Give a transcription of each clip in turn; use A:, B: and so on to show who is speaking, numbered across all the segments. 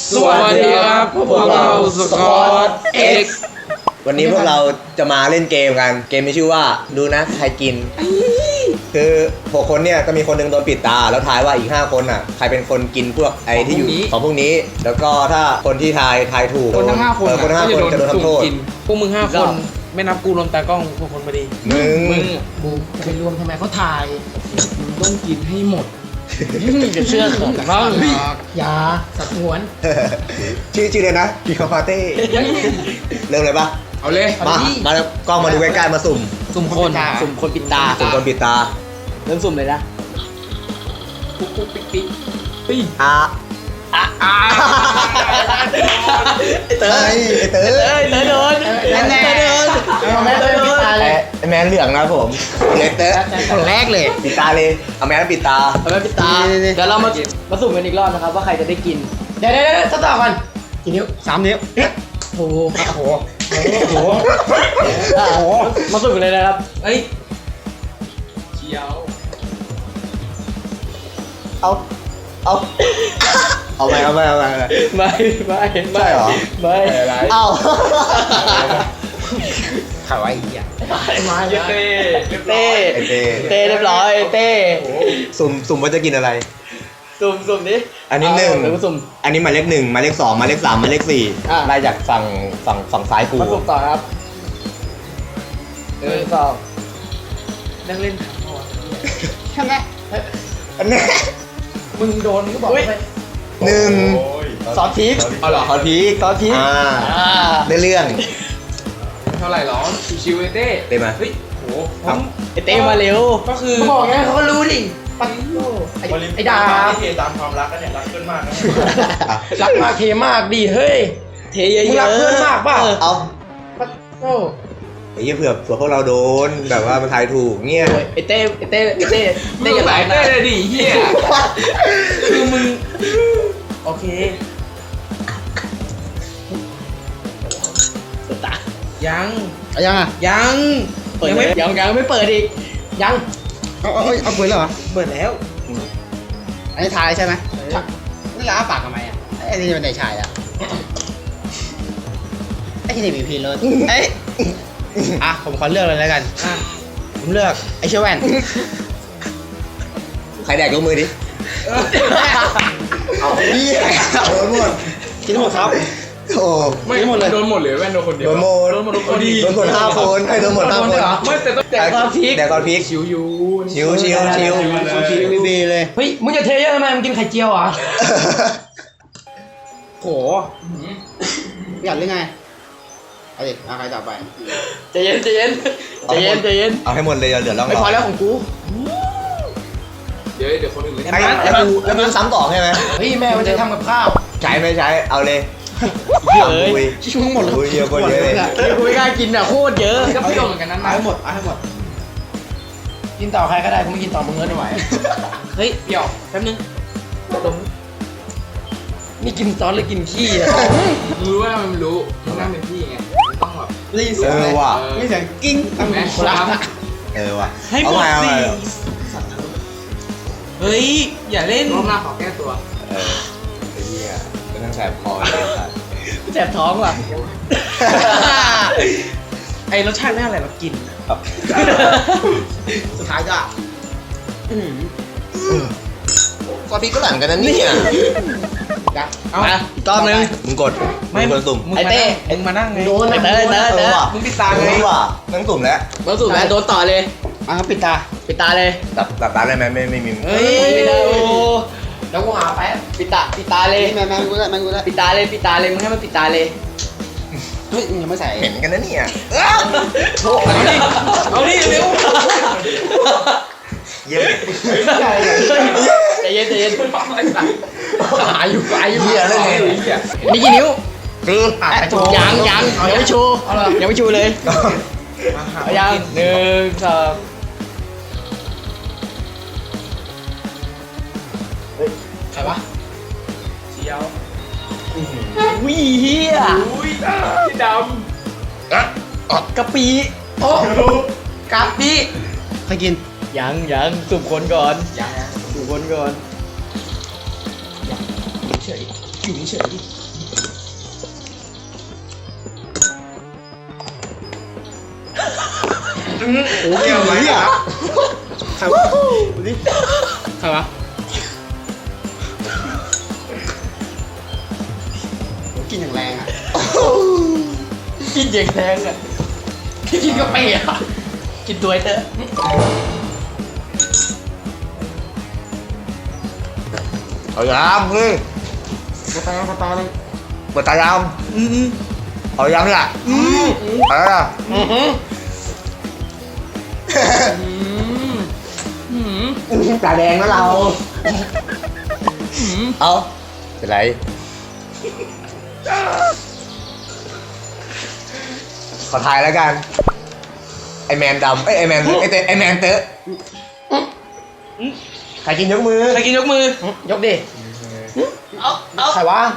A: สวัสดีครับพวกเราสกอตเอ็กซ์
B: วันนี้พวกเราจะมาเล่นเกมกันเกมมีชื่อว่าดูนะใครกินคือ6คนเนี่ยก็มีคนหนึงโดนปิดตาแล้วทายว่าอีก5คนอ่ะใครเป็นคนกินพวกไอ้ที่อยู่ของพวกนี้แล้วก็ถ้าคนที่ทายถูก
A: คนทั้ง5 คน
B: คนทั้ง5 คนจะโดนทำโทษ
A: พวกมึง5 คนไม่นับกูรวมตากล้องพวกคนพอดี
B: มึง
C: บูจะไปรวมทำไมเขาถ่ายมึงต้องกินให้หมด
A: จะเชื่อเขาบ้าง
C: ยาสัตว์หวน
B: ชื่อเลยนะกิคาปาเต้เริ่มเลยปะ
A: เอาเลย
B: มาแล้วกล้องมาดูใกล้ๆมาสุ่ม
A: สุ่มคนปิดตา
B: สุ่มคนปิดตา
A: เริ่มสุ่มเลยนะปุ๊กปิ๊กปิ๊กปิ๊ก
B: อ่ะเตยเตย
A: โดน
C: แน่เอาแม่เลยพี่ตาเลย
B: ไอ้แมนเหลืองนะผมเลยเตย
C: คนแรกเลย
B: ปิดตาเลยเอาแมนปิดตา
A: เอาไปปิดตาเดี๋ยวเรามาสุ่มกันอีกรอบนะครับว่าใครจะได้กิน
C: เดี๋ยวสต๊อปก่อนกี่นิ้ว3 นิ้วโอ้โหโอ้โหโอ้โห
A: มาสุ่มกันเลยนะครับเอ้ยเชียว
B: เอาไป
A: ไม่
B: ใช่เหรอ
A: ไม่
B: เอา
C: ข่าวไอ้เหี้ย
A: มาเต้เรียบร้อยเต้
B: สุ่มว่าจะกินอะไร
A: สุ่มดิ
B: อันนี้หนึ่ง
A: เดี๋ยวมาสุ่ม
B: อันนี้หมายเลข1หมายเลข2หมายเลข3หมายเลข
A: อ่ะ
B: 4ไล่จากฝั่งซ้ายกู
A: มาสุ่มต่อครับสองนั่งเล่นถามพ่อ
C: ใช่ไหม
B: อันนี้
C: มึงโดนก็บอกไป
B: 1
A: ซอสพริก
B: เอาเหรอขอพีก
A: ซอสพริก
B: ได้เรื่อง
A: เท่าไหร่หรอชิวๆเต้
B: ได้ไหม
A: เฮ้ยโหไอเต้มาเร็วก็คือ
C: เขาบอกไงเขาก็รู้ดิปัดโไอ้ดาบ
D: เทตามความรักกันเนี่ยรักเพื่อนมากนะ
C: รักมากเทมากดีเฮ้ย
A: เทเยอะๆ
C: มึงรักเพื่อนมากเปล่า
B: เอา
C: ปัดโอ้
B: ไอ้เหี้ยเผื่อพวกเราโดนแบบว่ามันทายถูกเงี้ย
A: ไอเต้อย่าไหลเต้เลยดิเฮียคือมึงโอเคยัง
C: ยังอ่ะ
A: ยังเปิดยังไม่เปิดอีก
C: ยังเอาปืนแล้วเหรอ
A: เปิดแล้ว
C: อันนี้ทายใช่ไหมนี่ล้าปากทำไมอ่ะไอ้นี่เป็นเด็กชายอ่ะไอ้ที่นี่มีพีเลยเอ้ยอ่ะผมขอเลือกเลยแล้วกันผมเลือกไอ้เชอแวน
B: ใครแดกยกมือดิเอาพี่โดนหมด
C: กินหมดครับ
B: โอ้
A: ไม่หมดเลยโดนหมดเลยแว่นโดนคนเดียว
B: โดนหมด
A: ทุกคนดี
B: โดนหมด5 คนให้โดนหมด5 คน
A: ไม่แต่ต้องแดกตอนพีค
B: แดกตอนพีค
A: ชิวยู
B: ชิว
C: ดีเลย
A: เฮ้ยมึงจะเทเยอะทำไมมึงกินไข่เจียวอ่ะโห
C: อยากเล่นไงเอาดิเอาใครต่อไป
A: ใจเย็น
B: เอาให้หมดเลยเหลือร่อง
A: ไม่พอแล้วของกูเดี๋ยวคนอื่นเลย
B: แล้วมึงซ้ำต่อใช่ไหม
C: เฮ้ยแม่มันจะทำกับข้าว
B: ใช้ไม่ใช้เอาเลย
A: เฮ้ย
C: ชุ่มหมดเลย
B: เยอะกว่าเยอะเลย
A: กูไม่กล้ากินอ่ะโคตรเยอะก็เปรี้ยวเหมือนกันนั้น
C: เอาให้หมดเอาให้หมดกินต่อใครก็ได้กูไม่กินต่อมึงเงินไม่ไหว
A: เฮ้ยเปรี้ยวแป๊บนึงดมนี่กินซอสหรือกินขี้อ่ะรู้ว่ามันรู้มันนั่งเป็นพี่ไงต้องแบบ
C: รีเสียง
B: ว่ะ
C: รีเสียงกิ้งตั้ง
A: แม่
C: คนละ
B: ว่ะ
A: ให้หมดสิเฮ้ยอย่าเล่นรอบหน้าขอแก้ตัว
B: ไอ้เหี้ยมันต้องแสบคอเลยครับ
A: แสบท้องว่ะไอรสชาติไม่อะไรมากิน
C: สุดท้ายก็
B: ซอสพริกก็หลั่นกันนะเนี่ย
A: เอาอีกรอบนึง
B: มึงกดมึงคนสุ่ม
A: ไอเต้มึงมานั่งไง
C: โดน
A: ไอเต้ มึงปิดตาไง
B: ว่ะนั่งสุ่มแล้ว
A: มาสุ่มแล้วโดนต่อเลย
C: อ่ะปิดตา
A: ปิดตาเลย
B: หลับตาได้ไหมไม่มี
A: เฮ้ยไม่ได้โอ้
C: แล้วกูหาแป๊บ
A: ปิดตาเลย
C: แม่กูได้
A: ปิดตาเลยมึงให้มันปิดตาเลย
C: เฮ้ยยังไม่ใส่
B: เหม็นกันนะเนี่ย
A: เอาดิเร็ว
B: เยี่ยม
A: ใจเย็นหายอยู่
B: เยี่ยเลย
A: นี่กี่นิ้ว
B: คือ
A: ยังไม่ชูยังไม่ชูเลยเอายัง1 2
C: ใครวะ
D: เชียว
A: วิ่เฮีย
D: อุ้ยพี่ด
A: กะปิโอ้กะปิ
C: ใครกิน
A: ยังสุ่มคนก่อน
D: ำยัง
A: สุ่มคนก่อน
C: เฉยอยู่เฉยๆดิ
B: โอ้ยอะไรอ่ะ
C: ใครวะดูดิใครวะโหกินอย่างแรงอ่ะ
A: กินเย็นแทงอ่ะกินกาแฟอ่ะกินตัวไอ้เตอะ
B: เอายามเฮ้ย
C: มาตาเลย
B: เปิดตายามเอายามเนี่ยอะไรอ่ะ ตาแดงแล้วเรา เอาเป็นไร ขอทายแล้วกัน ไอแมนดำไอแมนไอแมนเตอะใครกินยกมือ
A: ใครกินยกมือ
C: ยกดิใครวะ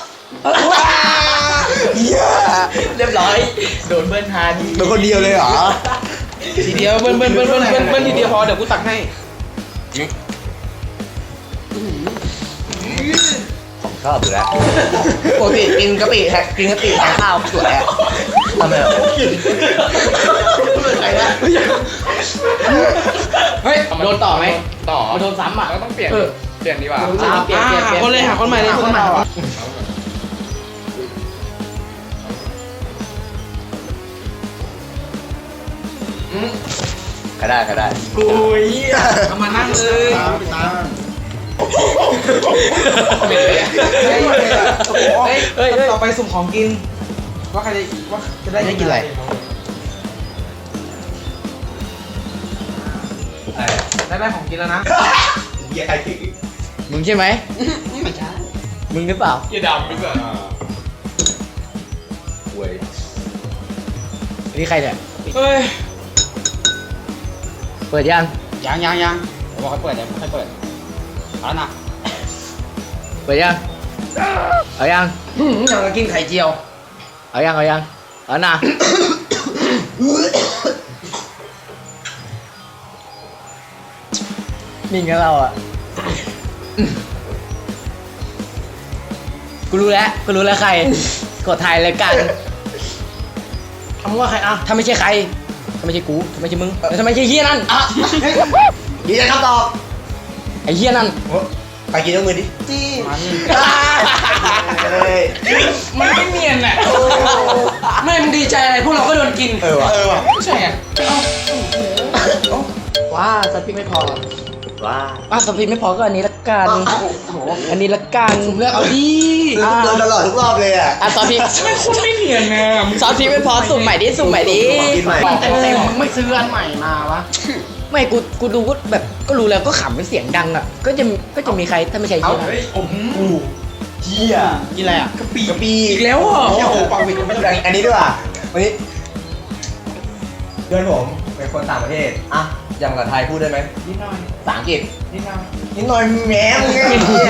B: เหี้ย
A: เรียบร้อยโดนเบิ้ลฮาดี
B: เป็นคนเดียวเลยเหรอ
A: ทีเดียวเบิ้ลทีเดียวพอเดี๋ยวกูตักให้
B: ผมชอบอยู่แล้ว
C: ปกติกินกะปิแทนข้าวสวยอ่ะ
B: ทำไมอ่ะ
C: ใครนะ
A: เฮ้ยโดนต่อไหม
D: ต่อ
A: มาโดนซ้ำอ่ะ
D: เราต้องเปลี่ยนดีกว่า
A: เปลี่ยนคนเลยหาคนใหม่เลยคนใหม่
B: ใครได้
A: กูเอามานั่งเลย
C: ตา
A: เฮ้ย
C: ต่อไปสุ่มของกิน ว่าใครจะได้กินอะไร ได้ของกินแล้วนะ
B: เหี้ยใครถึง
A: มึงใช่ไหม
C: ไม่ใช่
A: มึงหรือเปล่า
D: เยี่ยดำหรือเปล่า
B: เว้ย
A: นี่ใครเนี่ย
D: เฮ้ย
A: เปิดยัง
C: ยังผมบอกให้เปิดเดี๋ยวให้เปิดเอาแล้วนะ
A: เปิดยังเอายัง
C: ยังจะกินไข่เจียว
A: เอายังเอานะนิ่งกันเราอ่ะกูรู้แล้วใครกดถ่ายรายการ
C: คำว่าใครอ่ะ
A: ถ้าไม่ใช่ใครถ้าไม่ใช่กูถ้าไม่ใช่มึงถ้าไม่ใช่เฮียนั่น
B: ยืนยันคำตอบ
A: ไอ้เฮียนั่น
B: ใครกินยกมือดิจี้
C: มัน
B: เฮ้ย
A: มันไม่เนียนอ่ะไม่มึงดีใจอะไรพวกเราก็โดนกิน
B: เออว่ะ
A: ใช่ไงว้าสปิกไม่พอ
B: ว้า
A: สปิกไม่พอก็อันนี้ละกันอันนี้ละกัน
C: เลือกเอาดิ
B: โดนตลอดทุกรอบเลยอ่ะ
A: ซอสพริก
D: ไม่คุณไม่เนียนนะ
A: ซอสพริกไม่พอสุ่มใหม่ดิสุ่มใหม่ดิ
B: กินใหม่
C: มันเต็มๆไม่ซื้ออันใหม่มาวะ
A: ไม่กูดูก็แบบก็รู้แล้วก็ขำเป็นเสียงดังอ่ะก็จะมีใครถ้าไม่ใช่เฮียนั่น
B: เหี้ย
C: กินอะไรอ่ะ
B: กะปิ
A: อีกแล้วเหรอ
C: โอ้โหปากวิดไม่ได้
B: อันนี้ด้วยว่ะวันนี้เพื่อนผมเป็นคนต่างประเทศอ่ะอย่างภาษาไทยพูดได้ไหม
C: นิดหน่อย
B: ภาษาอังกฤษ
C: นิดหน่อย
B: นิดหน่อยแหมมึงไงเหี้ย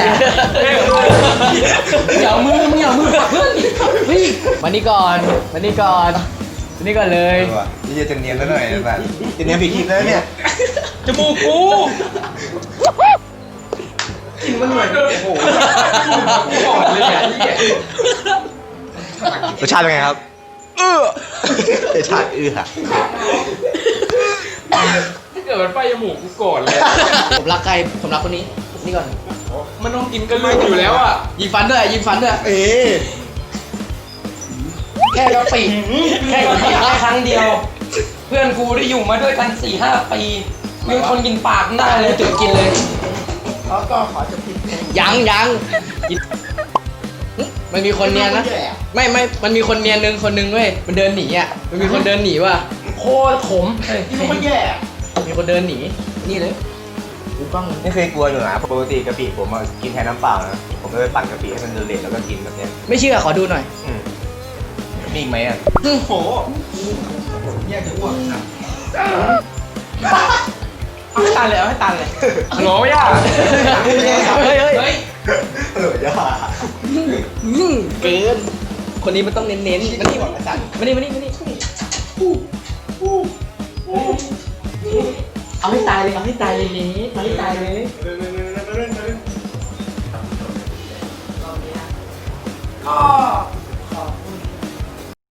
A: อย่าเอามือมึงอย่าเอามือปักเพื่อนเฮ้ยมานี่ก่อนเลย
B: นี่จะเนียนแล้วหน่อยนะแบบจะเนียนผิดทีแล้วเนี่ย
A: จมูกกู
C: กินมันเหมือนโอ้โห
D: ก่อนเลยอ่ะเยี่ย
B: รสชาติเป็นไงครับรสชาติอะ
D: ถ้าเกิดมันไปจมูกกูก่อนเลย
A: ผมรักใครผมรักคนนี้นี่ก่อน
D: มันต้องกินกันเลยอยู่แล้วอ่ะ
A: ยิงฟันด้วย
B: เอ๊ะ
A: แค่กะปิแค่กะปิได้ครั้งเดียว เพื่อนกูได้อยู่มาด้วยกัน 4-5 ปีมีคนกินปากได้เลยจุดกินเลย
C: แล้วก็ขอจะผิดเพลง
A: ยังกินมันมีคนเนียนนะไม่มันมีคนเนียนคนนึงเว้ยมันเดินหนีอ่ะมันมีคนเดินหนีว่ะโคตรขม
C: นี่มันแย่
A: มีคนเดินหนีนี่เลยดูกล้อง
B: ไม่เคยกลัวอยู่นะปกติกะปิผมกินแทนน้ำเปล่านะผมก็ไปปั่นกะปิให้มันเละๆแล้วก็กินแบบเนี้ย
A: ไม่เชื่อขอดูหน่อย
B: มีอีกไหมอ่ะ
C: โอ้โหแย่จะอ้วกนะ
A: เอาให้ตันเลย
D: ฮัลโหลย่า
A: เฮ้ย
B: ย่า
A: เกินคนนี้มันต้องเน้นมันนี่บอกอาจารย์มานี่เอาให้ตายเลยนี้เอาให้ตายเลยอ้อ